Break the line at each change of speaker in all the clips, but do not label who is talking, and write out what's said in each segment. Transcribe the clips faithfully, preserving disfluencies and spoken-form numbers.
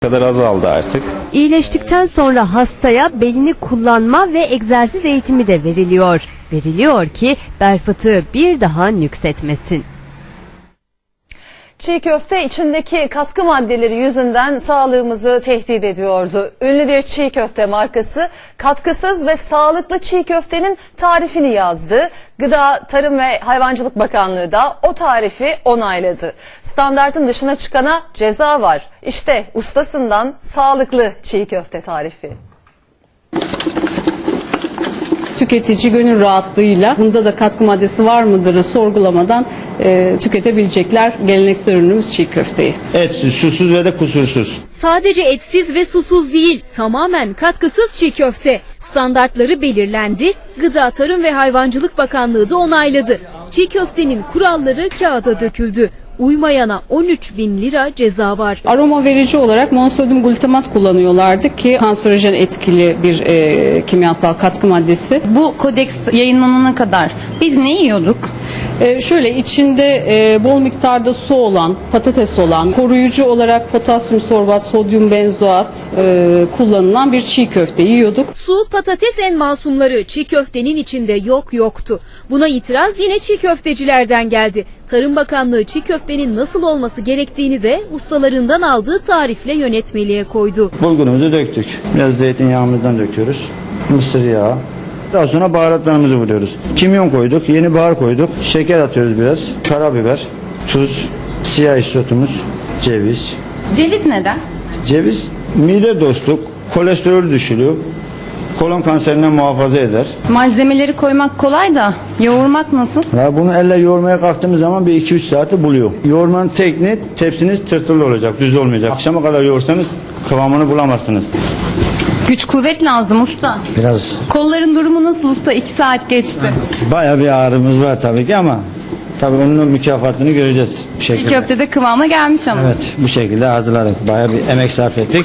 kadar azaldı artık.
İyileştikten sonra hastaya belini kullanma ve egzersiz eğitimi de veriliyor. Veriliyor ki bel fıtığı bir daha nüksetmesin.
Çiğ köfte içindeki katkı maddeleri yüzünden sağlığımızı tehdit ediyordu. Ünlü bir çiğ köfte markası katkısız ve sağlıklı çiğ köftenin tarifini yazdı. Gıda, Tarım ve Hayvancılık Bakanlığı da o tarifi onayladı. Standartın dışına çıkana ceza var. İşte ustasından sağlıklı çiğ köfte tarifi.
Tüketici gönül rahatlığıyla bunda da katkı maddesi var mıdırı sorgulamadan e, tüketebilecekler geleneksel ürünümüz çiğ köfteyi.
Etsiz, susuz ve de kusursuz.
Sadece etsiz ve susuz değil, tamamen katkısız çiğ köfte. Standartları belirlendi, Gıda, Tarım ve Hayvancılık Bakanlığı da onayladı. Çiğ köftenin kuralları kağıda döküldü. Uymayana on üç bin lira ceza var.
Aroma verici olarak monosodyum glutamat kullanıyorlardı ki kanserojen etkili bir e, kimyasal katkı maddesi.
Bu kodeks yayınlanana kadar biz ne yiyorduk?
E, şöyle içinde e, bol miktarda su olan, patates olan, koruyucu olarak potasyum sorbat, sodyum benzoat e, kullanılan bir çiğ köfte yiyorduk.
Su, patates en masumları çiğ köftenin içinde yok yoktu. Buna itiraz yine çiğ köftecilerden geldi. Tarım Bakanlığı çiğ köftenin nasıl olması gerektiğini de ustalarından aldığı tarifle yönetmeliğe koydu.
Bulgurumuzu döktük. Biraz zeytinyağımızdan döküyoruz. Mısır yağı. Daha sonra baharatlarımızı vuruyoruz. Kimyon koyduk, yeni bahar koyduk. Şeker atıyoruz biraz. Karabiber, tuz, siyah isotumuz, ceviz.
Ceviz neden?
Ceviz mide dostluk, kolesterolü düşürüyor. Kolon kanserinden muhafaza eder.
Malzemeleri koymak kolay da yoğurmak nasıl?
Ya bunu elle yoğurmaya kalktığımız zaman bir iki üç saati buluyor. Yoğurmanın tekniği tepsiniz tırtılı olacak, düz olmayacak. Akşama kadar yoğursanız kıvamını bulamazsınız.
Güç kuvvet lazım usta.
Biraz
Kolların durumu nasıl usta? İki saat geçti.
bayağı bir ağrımız var tabii ki ama tabii onun mükafatını göreceğiz. Bu
Çiğ
şekilde.
köfte de kıvama gelmiş ama.
Evet, bu şekilde hazırladık. Bayağı bir emek sarf ettik.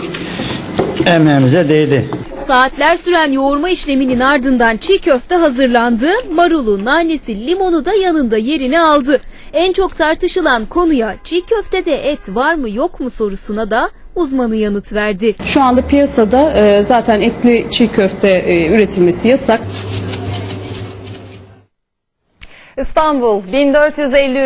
Emeğimize değdi.
Saatler süren yoğurma işleminin ardından çiğ köfte hazırlandı. Marulu, nanesi, limonu da yanında yerini aldı. En çok tartışılan konuya çiğ köftede et var mı yok mu sorusuna da uzmanı yanıt verdi.
Şu anda piyasada e, zaten etli çiğ köfte e, üretilmesi yasak.
İstanbul bin dört yüz elli